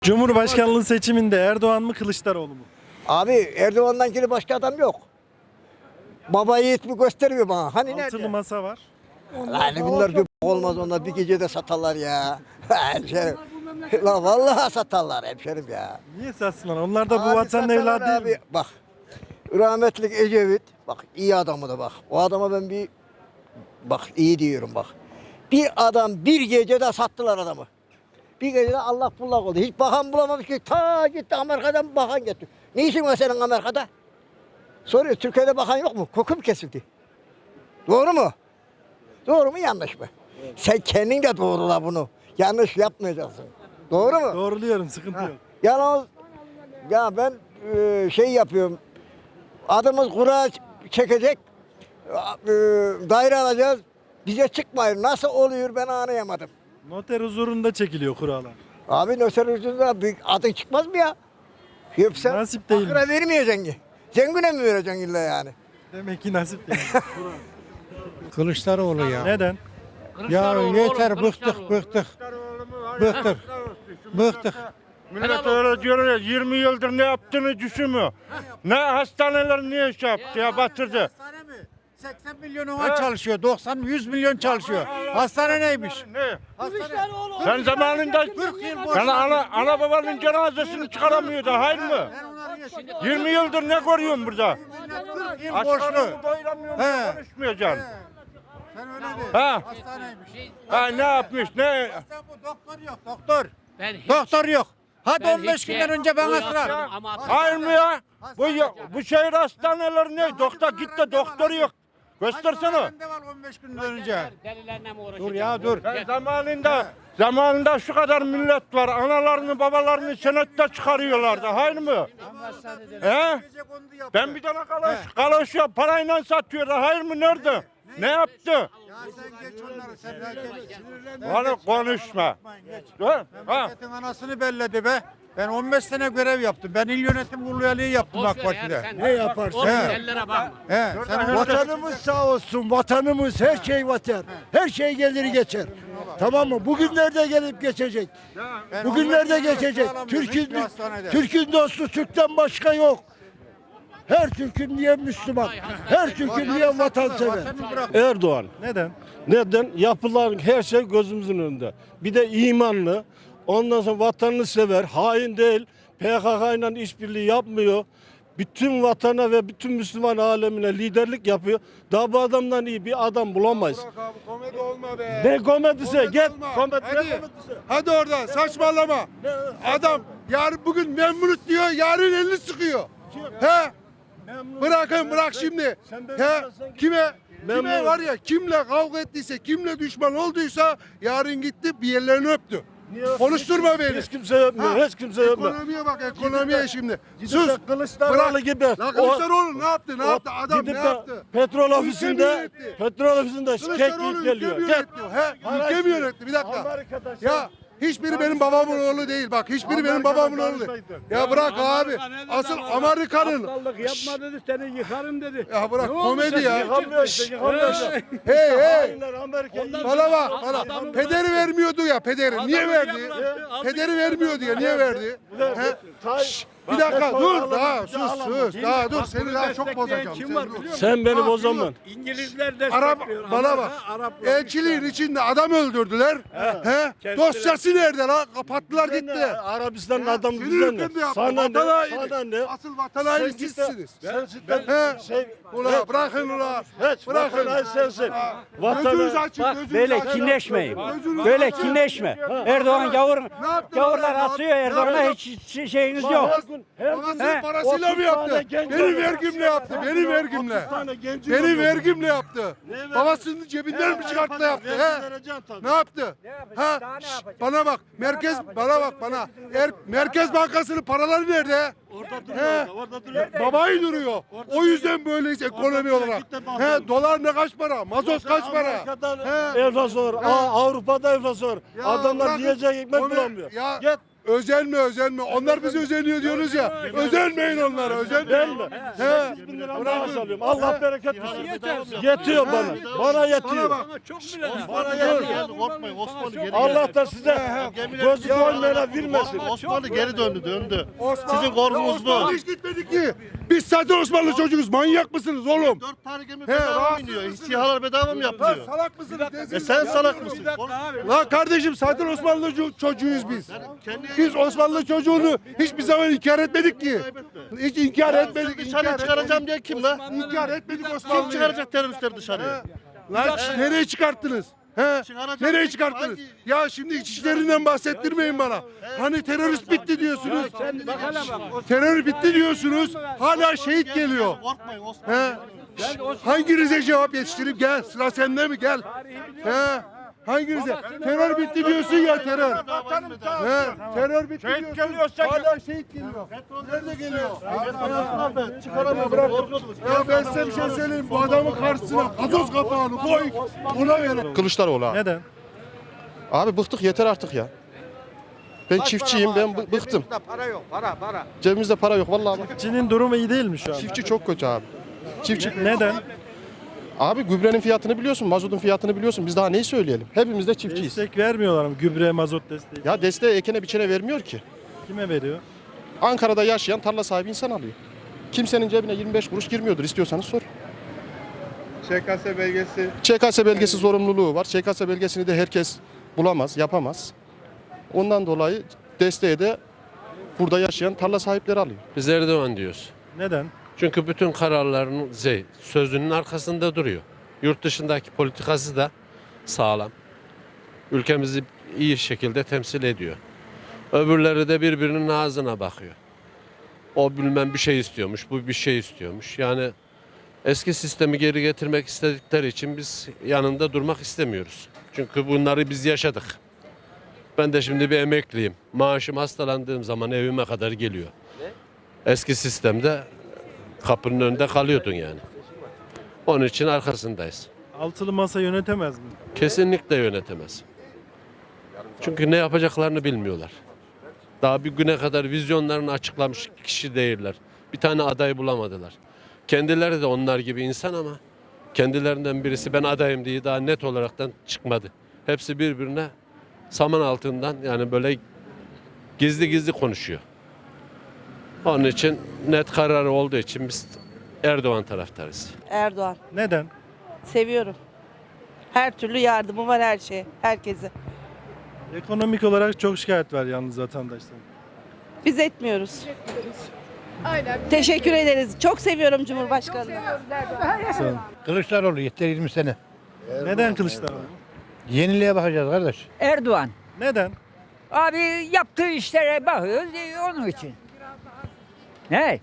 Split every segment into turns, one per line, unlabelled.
Cumhurbaşkanlığı seçiminde Erdoğan mı Kılıçdaroğlu mu?
Abi Erdoğan'dan geri başka adam yok. Baba yiğit mi gösteriyor bana? Hani
Altılı
nerede?
masa var.
Hani bunlar bir olmaz, onlar bir gecede satarlar ya. Hemşerim. La vallahi satarlar hemşerim ya.
Niye satsınlar? Onlar da bu
Abi
vatanın
satarlar
evladı değil
abi.
mi?
Bak rahmetlik Ecevit, bak iyi adamı da bak. O adama ben bak iyi diyorum bak. Bir adam bir gecede sattılar adamı. Bir gecede Allah bullak oldu. Hiç bakan bulamamış ki, ta gitti Amerika'dan bakan getirdi. Ne işin var senin Amerika'da? Soruyor, Türkiye'de bakan yok mu? Kokum kesildi. Doğru mu? Doğru mu yanlış mı? Sen kendin de doğrula bunu. Yanlış yapmayacaksın. Doğru mu?
Doğruluyorum, sıkıntı yok.
Yalnız ya ben şey yapıyorum. Adımız kura çekecek. Daire alacağız. Bize çıkmayın. Nasıl oluyor ben anlayamadım.
Noter huzurunda çekiliyor kurallar.
Abi noter ucunda büyük adın çıkmaz mı ya? Yoksa
Nasip değil.
fakire vermeyeceksin ki. Zengine mi vereceksin illa yani?
Demek ki nasip değil.
Kılıçdaroğlu ya.
Neden?
Ya yeter bıktık. Bıktık.
Millet öyle diyor ya, 20 yıldır ne yaptığını düşünmüyor. Ne hastaneler niye şey yaptı ya, batırdı.
Hastane mi? 80 milyon ona çalışıyor. 100 milyon çalışıyor. Hastane neymiş?
Ne?
Hastane.
Sen zamanında yani ana babanın cenazesini çıkaramıyordu, hayır mı?
Ben onları yaşadım.
20 yıldır ne görüyorsun burada?
Millet 40 yıl
Aç
borçlu.
karnını doyuramıyorsun,
He.
konuşmayacaksın.
Sen öyle de.
Ha.
Hastaneymiş.
Ha, ne yapmış, ne?
Hastane bu, doktor yok, doktor.
Ben hiç,
Doktor yok. Hadi
ben
15
hiç
günden
şey-
önce bana
bu
sıra.
yapmadım ama
Hayır mı ya? Bu şehir hastaneleri ne? Doktor git de doktoru yok. Göstersene.
Bende var 15 günden önce.
delilerle mi uğraşacağım?
Dur ya dur.
Sen zamanında şu kadar millet var. Analarını babalarını senette çıkarıyorlardı. Hayır mı? He? Ben bir tane kaloş ya parayla satıyordu. Hayır mı? Nerede? Ne yaptı?
Ya sen geç onları, sen geç. Sinirlenme.
Bana konuşma.
Geç.
Ha?
Memleketin anasını belledi be. Ben 15 sene görev yaptım. Ben il yönetim kurulu üyeliği yaptım AK Parti'de.
Ne yaparsın? O
He.
dellere bakma.
He, sen
Vatanımız sağ olsun, vatanımız her şey vatar. Her şey gelir geçer. Tamam mı? Bugünlerde gelip geçecek.
Ben
Bugünlerde
15 yıl
geçecek.
sağlamıyorum, hiçbir hastanede.
Türk'ün dostu Türk'ten başka yok. Her Türk'ün diye Müslüman. Her Türk'ün diye vatansever.
Vatanı bırak.
Erdoğan.
Neden?
Neden? Yapılan her şey gözümüzün önünde. Bir de imanlı. Ondan sonra vatanını sever. Hain değil. PKK ile işbirliği yapmıyor. Bütün vatana ve bütün Müslüman alemine liderlik yapıyor. Daha bu adamdan iyi bir adam bulamayız.
Komedi olma be.
Ne komedisi? Git.
olma.
Komedi. Ne
Hadi.
komedisi?
Hadi oradan saçmalama. Adam yarın bugün memnunut diyor, yarın elini sıkıyor. He? Bırak şimdi. He? Kime
Memnun.
var ya, kimle kavga ettiyse, kimle düşman olduysa yarın gitti bir yerlerini öptü. Konuşturma beni.
Hiç kimse yapmıyor.
Ha?
Hiç kimse yapmıyor.
Ekonomiye bak, ekonomiye şimdi.
Gidip
Sus.
de Kılıçdaroğlu
Bırak.
gibi.
La Kılıçdaroğlu ne yaptı? Ne yaptı? Adam
Gidip
ne
de
yaptı?
Petrol
Ülke mi
ofisinde
yönetti?
şikayet
Kılıçdaroğlu
geliyor.
ülke mi
Gel.
yönetti? He? Ülke mi yönetti? Bir dakika.
Amerika'da
Ya hiçbiri benim babamın oğlu değil, bak hiçbiri benim babamın oğlu değil. Ya bırak abi. Asıl Amerika'nın.
Yapma dedi, seni yıkarım dedi.
Ya bırak komedi ya.
Yıkamıyor işte, yıkamıyor işte.
Hey hey.
Hainler Amerika'yı
Bana bak bana. Pederi vermiyordu ya, pederi. Niye verdi? Pederi vermiyordu ya, niye verdi? He? Şşş, bir dakika dur, daha sus. Daha dur, seni daha çok bozacağım.
Sen benim o zaman.
İngilizler de
Bana bak. Elçiliğin içinde adam öldürdüler. He? Dosyası nerede lan? Kapattılar gitti.
Arabistan'ın adamı
Senin
bize
ülkende
ne?
yaptı.
Sana
Vatan
ne?
haini.
Sana ne?
Asıl vatan haini
Sen git de-
sizsiniz.
Sen
He?
şey,
Ula bırakın ula.
hiç
Bırakın.
vatan haini sensin.
Gözünüzü
Vatan
açın, gözünüzü
Böyle
açın.
kinleşmeyin.
Gözünüzü
Böyle
açın.
kinleşme. Erdoğan gavurlar atıyor. Erdoğan'a hiç şeyiniz yok.
Babasının parasıyla mı yaptı? Benim vergimle yaptı. Benim vergimle. Benim vergimle yaptı. Babasının cebinden mi çıkarttı da yaptı? He? Ne yaptı? Ha? Şşş, bana bak. Merkez Bankası'nın paraları nerede?
Orada duruyor.
Babayı duruyor. O yüzden böyleyiz ekonomi olarak. He, dolar ne kaç para? Mazot kaç para?
Amerika'da
He.
enflasyon var. Avrupa'da enflasyon var.
Ya
Adamlar
bırakın,
yiyecek ekmek
onu-
bulamıyor.
ya
Git.
Özenme. Onlar bizi özeniyor diyorsunuz ya. Özenmeyin onlara. Özenmeyin. He.
8.000 lira maaş alıyorum. Allah bereket versin. Yetiyor bana. Bana yetiyor. Bana yetiyor. Allah da size gözü doymayana vermesin.
Osmanlı geri döndü. Sizin korkunuz bu.
Hiç gitmedi ki. Biz zaten Osmanlı çocuğuz. Manyak mısınız oğlum?
4 tane gemi bedava mı iniyor? SİHA'lar bedava mı
Lan
yapılıyor?
salak mısınız?
Sen salak mısın?
Lan kardeşim zaten Osmanlı çocuğuyuz biz. Biz Osmanlı çocuğunu hiçbir zaman inkar etmedik ki. Hiç inkar etmedik.
Dışarı çıkaracağım diye kim la?
İnkar etmedik
Kim
Osmanlı'yı.
çıkaracak teröristleri dışarıya?
Lan nereye çıkarttınız? He?
Çıkaracak
Nereye
peki,
çıkarttınız?
hangi-
Ya şimdi içişlerinden bahsettirmeyin bana. Hani terörist bitti diyorsunuz. Terör bitti diyorsunuz. Hala şehit geliyor.
Korkmayın Osmanlı.
He? Hanginize cevap yetiştireyim? Gel. Sıra sende mi? Gel. He? Hanginize? Terör bitti diyorsun ya terör. He? Terör bitti
Şehit
diyorsun.
geliyorsa
Hala şehit geliyor. Nerede geliyor?
Çıkaramıyor.
Bırak. Ya ben size bir şey söyleyeyim. Bu adamın karşısına gazoz kapağını koy. Ona verin.
Kılıçdaroğlu abi.
Neden?
Abi bıktık yeter artık ya. Ben çiftçiyim ben bıktım.
Para yok. Para.
Cebimizde para yok vallahi bak.
Çin'in durumu iyi değil mi şu an?
Çiftçi çok kötü abi. Çiftçi.
Neden?
Abi gübrenin fiyatını biliyorsun, mazotun fiyatını biliyorsun. Biz daha neyi söyleyelim? Hepimiz de çiftçiyiz.
Destek vermiyorlar mı? Gübre, mazot desteği.
Ya desteği ekene biçene vermiyor ki.
Kime veriyor?
Ankara'da yaşayan tarla sahibi insan alıyor. Kimsenin cebine 25 kuruş girmiyordur, istiyorsanız sor. ÇKS belgesi zorunluluğu var. ÇKS belgesini de herkes bulamaz, yapamaz. Ondan dolayı desteği de burada yaşayan tarla sahipleri alıyor.
Biz Erdoğan diyoruz.
Neden?
Çünkü bütün kararlarının sözünün arkasında duruyor. Yurt dışındaki politikası da sağlam. Ülkemizi iyi şekilde temsil ediyor. Öbürleri de birbirinin ağzına bakıyor. O bilmem bir şey istiyormuş, bu bir şey istiyormuş. Yani eski sistemi geri getirmek istedikleri için biz yanında durmak istemiyoruz. Çünkü bunları biz yaşadık. Ben de şimdi bir emekliyim. Maaşım hastalandığım zaman evime kadar geliyor. Eski sistemde kapının önünde kalıyordun yani. Onun için arkasındayız.
Altılı masa yönetemez mi?
Kesinlikle yönetemez. Çünkü ne yapacaklarını bilmiyorlar. Daha bir güne kadar vizyonlarını açıklamış kişi değiller. Bir tane aday bulamadılar. Kendileri de onlar gibi insan ama kendilerinden birisi ben adayım diye daha net olaraktan çıkmadı. Hepsi birbirine saman altından yani böyle gizli gizli konuşuyor. Onun için net kararı olduğu için biz Erdoğan taraftarıyız.
Erdoğan.
Neden?
Seviyorum. Her türlü yardımı var her şeye, herkese.
Ekonomik olarak çok şikayet var yalnız vatandaşlar.
Biz etmiyoruz. Teşekkür ederiz. Çok seviyorum Cumhurbaşkanı'nı.
Sağ olun.
Kılıçdaroğlu yeter 20 sene.
Neden Kılıçdaroğlu?
Yeniliğe bakacağız kardeş.
Erdoğan.
Neden?
Abi yaptığı işlere bakıyoruz onun için. Ne?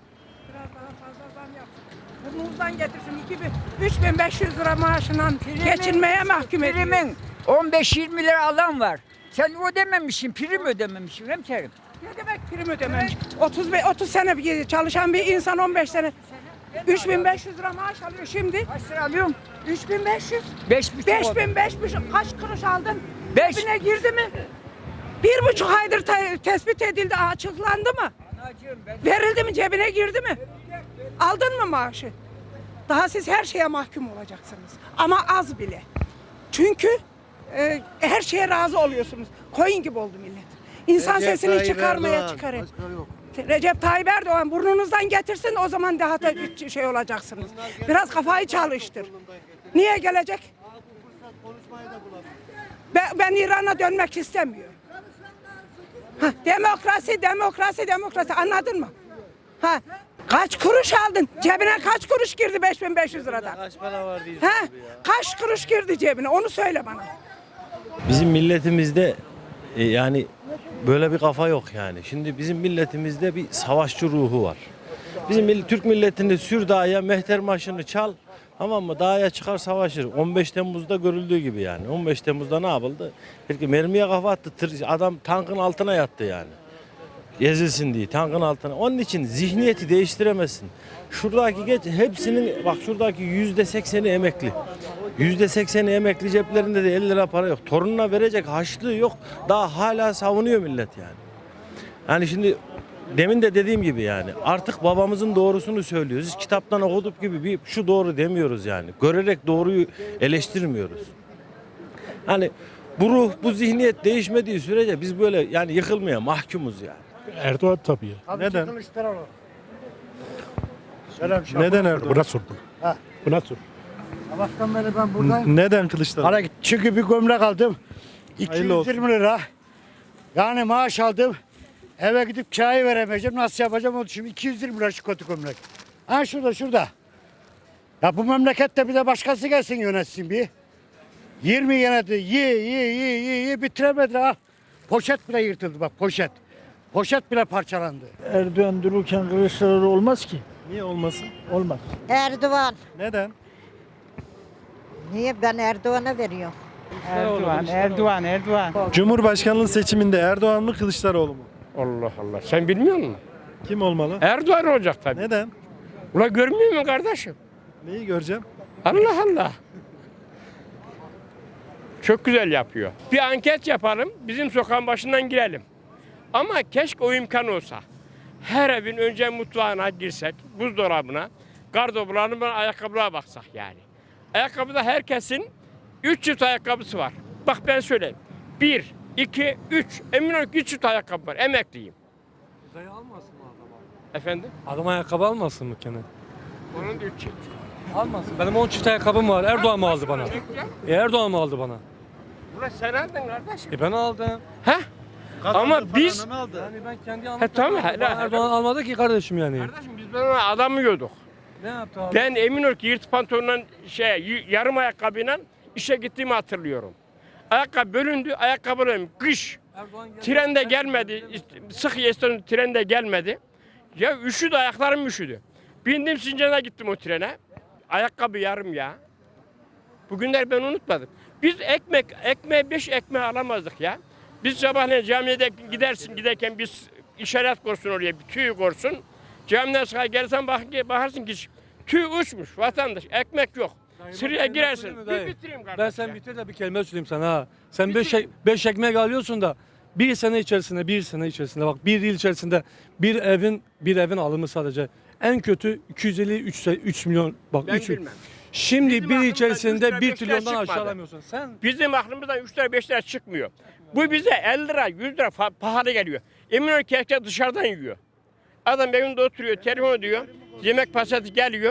Burnumuzdan getirsin 3500 lira maaşından geçinmeye mahkum ediyor.
Primin 15-20 lira alan var. Sen ödememişsin, prim ödememişsin hemşerim.
Ne demek prim ödememiş? 30 sene çalışan bir insan 15 sene 3500 lira maaş alıyor şimdi.
Kaç lira alıyorsun?
3500.
5,5
5.500 kaç kuruş aldın?
5.
Cebine girdi mi? 1,5 aydır tespit edildi, açıklandı mı? Verildi mi, cebine girdi mi? Aldın mı maaşı? Daha siz her şeye mahkum olacaksınız. Ama az bile. Çünkü her şeye razı oluyorsunuz. Koyun gibi oldu millet. İnsan sesini çıkarmaya çıkarın. Recep Tayyip Erdoğan burnunuzdan getirsin, o zaman daha da şey olacaksınız. Biraz kafayı çalıştır. Niye gelecek? Ben İran'a dönmek istemiyorum. Demokrasi anladın mı? Kaç kuruş aldın? Cebine kaç kuruş girdi 5500 liradan? Kaç para var diyorsun kaç kuruş girdi cebine? Onu söyle bana.
Bizim milletimizde yani böyle bir kafa yok yani. Şimdi bizim milletimizde bir savaşçı ruhu var. Bizim Türk milletinde sür dağa mehter marşını çal, tamam mı? Dağa çıkar savaşır. 15 Temmuz'da görüldüğü gibi yani. 15 Temmuz'da ne yapıldı? Belki mermiye kafa attı. Adam tankın altına yattı yani. Ezilsin diye tankın altına. Onun için zihniyeti değiştiremezsin. Şuradaki hepsinin bak şuradaki %80'i emekli. %80'i emekli, ceplerinde de 50 lira para yok. Torununa verecek harçlığı yok. Daha hala savunuyor millet yani. Yani şimdi demin de dediğim gibi yani artık babamızın doğrusunu söylüyoruz. Biz kitaptan okuduk gibi bir şu doğru demiyoruz yani. Görerek doğruyu eleştirmiyoruz. Hani bu ruh, bu zihniyet değişmediği sürece biz böyle yani yıkılmaya mahkumuz yani.
Erdoğan tabii.
Neden? Neden Erdoğan?
Buna sordum. Buna sor.
Sabahtan beri ben buradayım.
Neden Kılıçdaroğlu?
Çünkü bir gömlek aldım.
Hayırlı olsun.
220 lira. Yani maaş aldım. Eve gidip çay veremeyeceğim. Nasıl yapacağım onu şimdi 220 lira şu kötü gömlek. Ha şurada. Ya bu memlekette bir de başkası gelsin yönetsin bir. 20 yöneti ye bitiremedi ha. Poşet bile yırtıldı bak poşet. Poşet bile parçalandı.
Erdoğan dururken Kılıçdaroğlu olmaz ki.
Niye olmasın?
Olmaz.
Erdoğan.
Neden?
Niye ben Erdoğan'a veriyorum?
Erdoğan.
Cumhurbaşkanlığı seçiminde Erdoğan mı Kılıçdaroğlu mu?
Allah Allah. Sen bilmiyor musun?
Kim olmalı?
Erdoğan olacak tabii.
Neden?
Ulan görmüyor musun kardeşim?
Neyi göreceğim?
Allah Allah. Çok güzel yapıyor. Bir anket yapalım, bizim sokağın başından girelim. Ama keşke o imkan olsa. Her evin önce mutfağına girsek, buzdolabına, gardırobularına, ayakkabılara baksak yani. Ayakkabıda herkesin 3 çift ayakkabısı var. Bak ben söyleyeyim. 1, 2, 3. Emin ol ki 3 çift ayakkabı var. Emekliyim.
Uzaya almasın mı adam?
Efendim?
Adam ayakkabı almasın mı Kenan?
Onun da 3 çift.
Almasın. Benim 10 çift ayakkabım var. Erdoğan mı aldı bana? Erdoğan mı aldı bana?
Ulan sen aldın kardeşim.
Ben aldım.
Heh? Ama biz...
Yani ben kendi
He tamam.
Erdoğan almadı ki kardeşim yani.
Kardeşim biz böyle adam yiyorduk.
Ne yaptı abi?
Ben emin ol ki yırt pantolonla yarım ayakkabıyla işe gittiğimi hatırlıyorum. Ayakkabı bölündü, ayakkabılarım kış. Trende gelmedi, sık yeston trende gelmedi. Ya üşüdü, ayaklarım üşüdü. Bindim Sincan'a gittim o trene. Ayakkabı yarım ya. Bugünler ben unutmadım. Biz ekmeği 5 ekmeği alamazdık ya. Biz sabahleyin camiye giderken biz işaret korsun oraya, bir tüy korsun. Camiden çıkar gelirsen bakarsın ki tüy uçmuş vatandaş, ekmek yok. Sıraya girersin. Bir bitireyim kardeşim.
Ben sen bitir de bir kelime söyleyeyim sana ha. Sen 5 ekmek alıyorsun da bir sene içerisinde bak bir yıl içerisinde bir evin alımı sadece en kötü 250-3 milyon bak
Ben
3
bilmem.
Şimdi
Bizim
bir
aklımızdan
içerisinde
3 lira,
1
5 lira
trilyondan
çıkmadı.
aşağı alamıyorsun. Sen
Bizim aklımızdan 3 lira 5 lira çıkmıyor. Bu bize 50 lira 100 lira pahalı geliyor. Emin ol ki herkes dışarıdan yiyor. Adam evinde oturuyor, telefon ediyor. Yemek pasatı geliyor.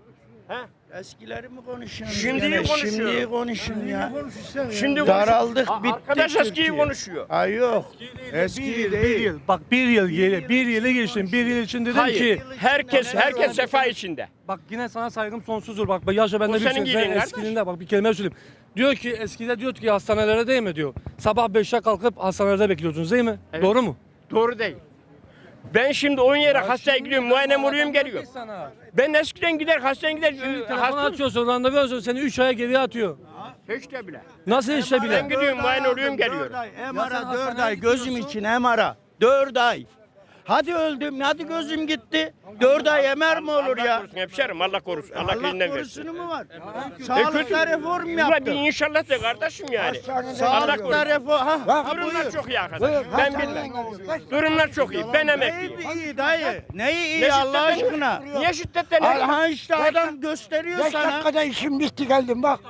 eskileri mi konuşuyorsun?
Şimdiyi konuşuyor.
Şimdiyi konuşun ya.
Şimdi
Daraldık,
konuşuyor. Arkadaş eskiyi konuşuyor.
Ay yok. Bir yıl. Bak bir yılı geçtim. Bir yıl için dedim
Hayır.
ki
Herkes sefa içinde.
bak yine sana saygım sonsuzdur. Bak yaşa bende
O
bir
senin
şey.
giydiğin
Sen
kardeş.
eskiliğinde bak bir kelime söyleyeyim. Diyor ki eskide diyor ki hastanelere değil mi diyor. Sabah 5'te kalkıp hastanelerde bekliyordunuz değil mi?
Evet.
Doğru mu?
Doğru değil. Ben şimdi 10 yere hastaya gidiyorum, muayene oluyorum, geliyorum. Ben eskiden gider, hastaya gider,
Telefon
hasta
açıyorsun, randevu alıyorsun, seni 3 aya geriye atıyor.
hiç de bile.
Nasıl işte
Ben
bile?
gidiyorum, muayene oluyorum, geliyorum.
MR'a 4 ay gözüm için MR'a 4 ay. Hadi öldüm, hadi gözüm gitti. 4 ay MR mi olur
Allah
ya?
korusun hemşerim, Allah korusun. Allah elinden versin.
mu var?
Kötü.
Sağlıkta reform
Ulan bir
yaptı.
inşallah de kardeşim yani. Allah
Sağlıkta
korusun.
reform.
Durumlar çok iyi arkadaş. Ben bilmem. Durumlar çok iyi. Ben emekliyim.
iyi dayı? Neyi
Ne
iyi Allah
şiddetten-
aşkına?
Niye şiddetten?
Ha işte adam gösteriyor
5
sana.
dakikada işim bitti geldim bak.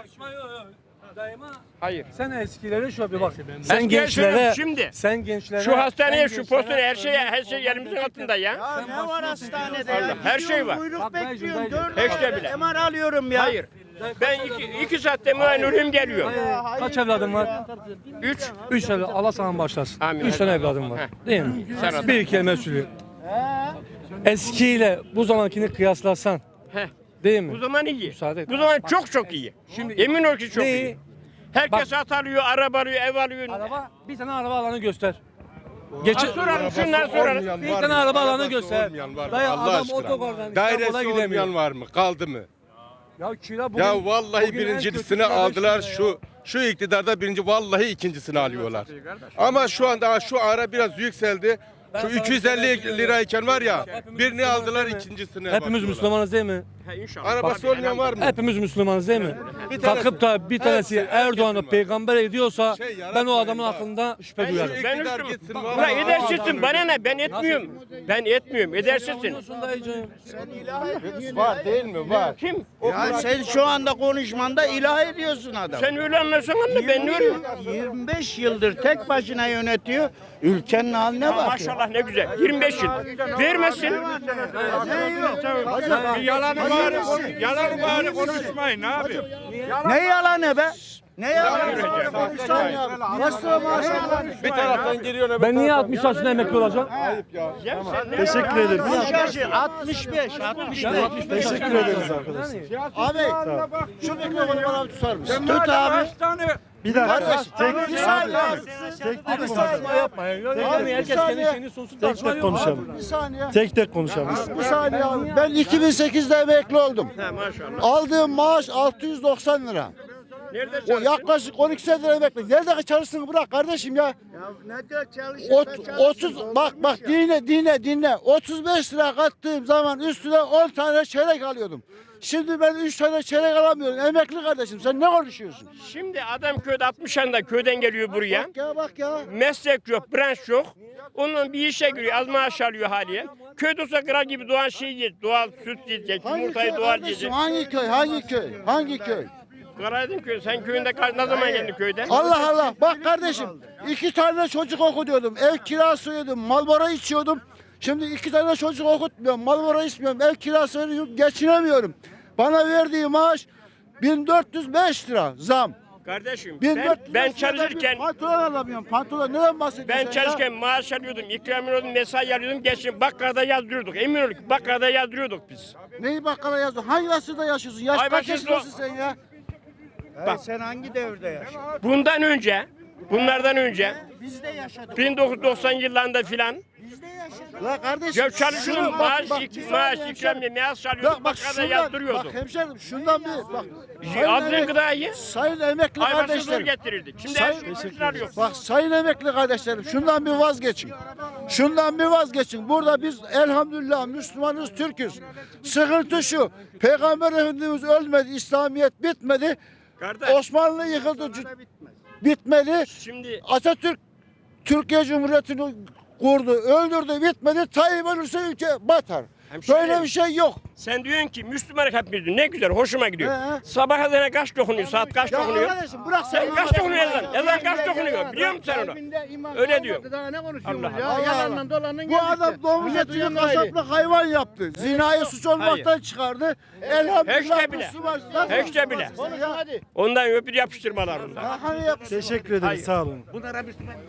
Hayır.
Sen eskilere şöyle bir bak.
Eskiye
Sen gençlere,
şimdi.
sen gençlere.
Şu hastaneye,
sen
şu
gençlere-
postane her şey yerimizin altında ya.
Ya ne var hastanede
Allah,
ya?
her şey
Gidiyorum,
var.
Kuyruk
Bak,
bekliyorum.
dayıcım,
4
dayıcım. Hiç de bile.
MR alıyorum ya.
Hayır. Ben iki saatte muayene oluyorum, geliyorum.
Kaç evladın var?
3.
3 evlat. Allah sana bağışlasın.
Amin.
3 tane evladım var.
Heh.
Değil mi?
Serhat.
Bir kelime söylüyorum. Eskiyle bu zamankini kıyaslasan.
Heh.
Değil mi?
Bu zaman iyi.
Müsaade et.
Bu zaman çok iyi.
Şimdi
Yemin ol ki çok
neyi?
iyi. Herkes at alıyor, araba alıyor, ev alıyor.
Araba, bir tane araba alanı göster.
Ha, soralım, şunlar soralım.
Bir tane araba alanı göster. Dayı
Allah
adam
aşkına.
otogardan
Dairesi
İstanbul'a gidemiyor.
olmayan var mı? Kaldı mı?
Ya kira bugün,
Ya vallahi
bugün en
birincisini
kötü kira
aldılar.
500 lira ya.
Şu iktidarda birinci, vallahi ikincisini alıyorlar. Ama şu anda şu ara biraz yükseldi.
Şu 250
lirayken var ya birini aldılar ikincisini.
Hepimiz Müslümanız değil mi?
Arabası olmayan var mı?
Hepimiz Müslümanız değil mi? Kalkıp da bir tanesi Erdoğan'ı peygamber ediyorsa ben o adamın aklında şüphe duyarım.
Ben gitsin.
Ulan edersizsin bana ne? Ben etmiyorum. Ben etmiyorum. Edersizsin.
Var değil mi? Var.
Kim?
Ya sen şu anda konuşmanda ilah ediyorsun adam.
Sen öyle anlarsan anla ben ne öyle.
25 yıldır tek başına yönetiyor. Ülkenin haline bak.
Maşallah ne güzel. 25 yıl. Vermesin.
Yalan bari konuşmayın ne yapayım?
Ne yalanı be? Ne yalanı?
Bir taraftan giriyor.
Ben niye 60 yaşında emekli olacağım?
Teşekkür ederiz.
65.
Teşekkür ederiz arkadaşlar.
Abi şu mikrofonu bana tutar mısın? Tut abi.
Bir dakika.
Bir saniye.
Tek
Yapma ya. Herkes kendi şeyini sunsun.
tek konuşalım.
Bir saniye.
Tek konuşalım.
Bir saniye abi. Ben 2008'de emekli oldum. Aldığım maaş 690 lira. O yaklaşık 12 senedir emekli. Nerede çalıştığını bırak kardeşim ya.
Nerede çalışıyorsun?
30 bak dinle. 35 lira kattığım zaman üstüne 10 tane çeyrek alıyordum. Şimdi ben 3 tane çeyrek alamıyorum. Emekli kardeşim sen ne konuşuyorsun?
Şimdi adam köyde 60 yaşında köyden geliyor buraya.
Bak ya.
Meslek yok, branş yok. Ondan bir işe giriyor, az maaş alıyor haliye. Köyde olsa kral gibi doğan şey yiyecek, doğal süt yiyecek, yumurtayı doğal yiyecek.
Hangi köy?
Karaydın köyü, sen köyünde ne zaman geldin köyden?
Allah Allah. Bak kardeşim 2 tane çocuk okutuyordum. Ev kirası ödüyordum. Marlboro içiyordum. Şimdi 2 tane çocuk okutmuyorum. Marlboro içmiyorum. Ev kirası ödüyorum. Geçinemiyorum. Bana verdiği maaş 1405 lira zam.
Kardeşim
1400
ben
lira
çalışırken
pantolon alamıyorum. Pantolon neden bahsediyorsun?
ben
sen ya?
çalışırken maaş alıyordum, ikram alıyordum, mesai alıyordum. Geçin bakkalda yazdırıyorduk. Eminönü bakkalda yazdırıyorduk biz.
Neyi bakkala yazdın? Hangi asırda yaşıyorsun? Yaş
Ay
kaç
başınız
yaşındasın sen ya?
Bak.
Sen hangi devirde yaşıyorsun?
Bunlardan önce
Biz de yaşadık.
1990 yıllarında filan
La kardeşim.
ya çalışıyordum, maaş ikramiye, maaş alıyordum, bakkalda
Bak
yazdırıyordum.
hemşerim şundan bir bak.
Aldığın gıdayı
Sayın emekli
ay başına zor
kardeşlerim.
getirirdik. Şimdi her şey ucuzlar yok.
Bak sayın emekli kardeşlerim şundan bir vazgeçin. Şundan bir vazgeçin. Burada biz elhamdülillah Müslümanız, Türk'üz. Sıkıntı şu. Peygamber Efendimiz ölmedi, İslamiyet bitmedi.
Kardeş,
Osmanlı yıkıldı, bitmedi.
şimdi
Atatürk Türkiye Cumhuriyeti'ni kurdu, öldürdü, bitmedi. Tayyip ölürse ülke batar. Böyle bir şey yok.
sen diyorsun ki Müslümanlık hepimiz diyor. Ne güzel, hoşuma gidiyor.
He.
Sabah ezanı kaç dokunuyor, saat kaç dokunuyor?
Kardeşim bırak
Sen kaç dokunuyor ezan? Ezan kaç dokunuyor? Biliyor musun sen onu? Öyle diyor. Allah Allah.
Bu adam domuz etini kasaplı hayvan yaptı. Zinayı suç olmaktan çıkardı. Elhamdülillah
Hiç de bile.
Müslüman.
Hiç de bile. Ondan öpüp yapıştırmalar bunlar.
Hani yap.
Teşekkür ederiz. Sağ olun.